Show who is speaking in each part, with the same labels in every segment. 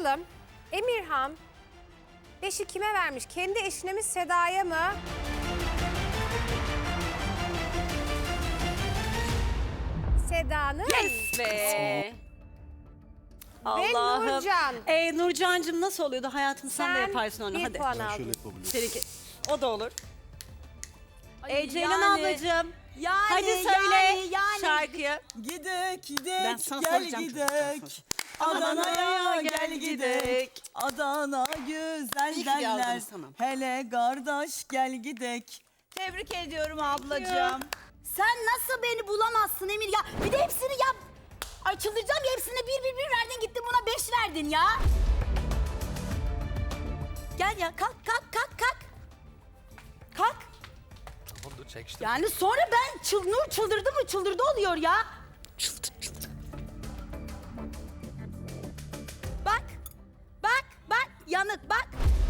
Speaker 1: Bakalım Emirhan 5'i kime vermiş? Kendi eşine mi, Seda'ya mı? Seda'nın
Speaker 2: Ve
Speaker 1: ve
Speaker 2: Allah'ım.
Speaker 1: Nurcan.
Speaker 2: Nurcancığım nasıl oluyordu? Hayatım sen de yaparsın onu.
Speaker 1: bir
Speaker 2: Hadi.
Speaker 1: puan
Speaker 3: Şöyle
Speaker 1: aldın.
Speaker 3: yapabiliriz.
Speaker 2: Seninki. O da olur. Ceylan
Speaker 4: yani-
Speaker 2: ablacığım.
Speaker 4: Yani,
Speaker 2: Hadi söyle
Speaker 4: yani.
Speaker 2: şarkıyı.
Speaker 4: Gidek
Speaker 2: Ben
Speaker 4: gidek
Speaker 2: sana
Speaker 4: gel
Speaker 2: soracağım.
Speaker 4: gidek. Adana'ya gel gidek. Adana güzel
Speaker 2: İyi ki de
Speaker 4: derler.
Speaker 2: aldınız, tamam.
Speaker 4: Hele kardeş gel gidek. Tebrik ediyorum ablacığım.
Speaker 5: Sen nasıl beni bulamazsın Emir ya? Bir de hepsini yap. Ay çıldıracağım ya, hepsine bir verdin, gittin buna 5 verdin ya. Gel ya, kalk. Kalk.
Speaker 6: Tamam dur çek işte.
Speaker 5: Yani sonra ben Nur çıldırdı mı çıldırdı oluyor ya. Bak yanık bak.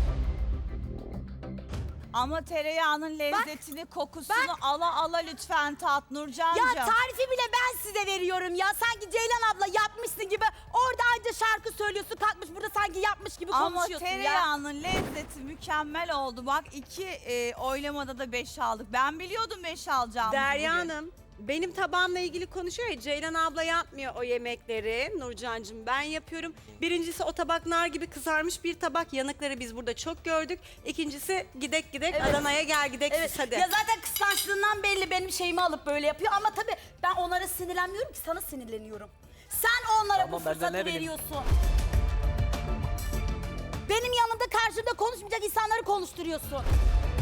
Speaker 4: Ama tereyağının lezzetini, kokusunu ala lütfen tat Nurcancığım.
Speaker 5: Ya tarifi bile ben size veriyorum ya. Sanki Ceylan abla yapmışsın gibi. Orada anca şarkı söylüyorsun, kalkmış burada sanki yapmış gibi
Speaker 4: Ama
Speaker 5: konuşuyorsun ya.
Speaker 4: tereyağının lezzeti mükemmel oldu. Bak oylamada da 5 aldık. Ben biliyordum 5 alacağımı.
Speaker 2: Derya
Speaker 4: bugün.
Speaker 2: Hanım. Benim tabağımla ilgili konuşuyor ya, Ceylan abla yapmıyor o yemekleri. Nurcancığım ben yapıyorum. Birincisi o tabak nar gibi kızarmış bir tabak. Yanıkları biz burada çok gördük. İkincisi gidek
Speaker 5: Evet.
Speaker 2: Adana'ya gel gidek
Speaker 5: Evet.
Speaker 2: siz hadi.
Speaker 5: Ya zaten kıskançlığından belli benim şeyimi alıp böyle yapıyor ama tabii ben onlara sinirlenmiyorum ki, sana sinirleniyorum. Sen onlara
Speaker 6: Tamam,
Speaker 5: bu
Speaker 6: ben de
Speaker 5: fırsatı
Speaker 6: ne bileyim.
Speaker 5: veriyorsun. Benim yanımda karşımda konuşmayacak insanları konuşturuyorsun.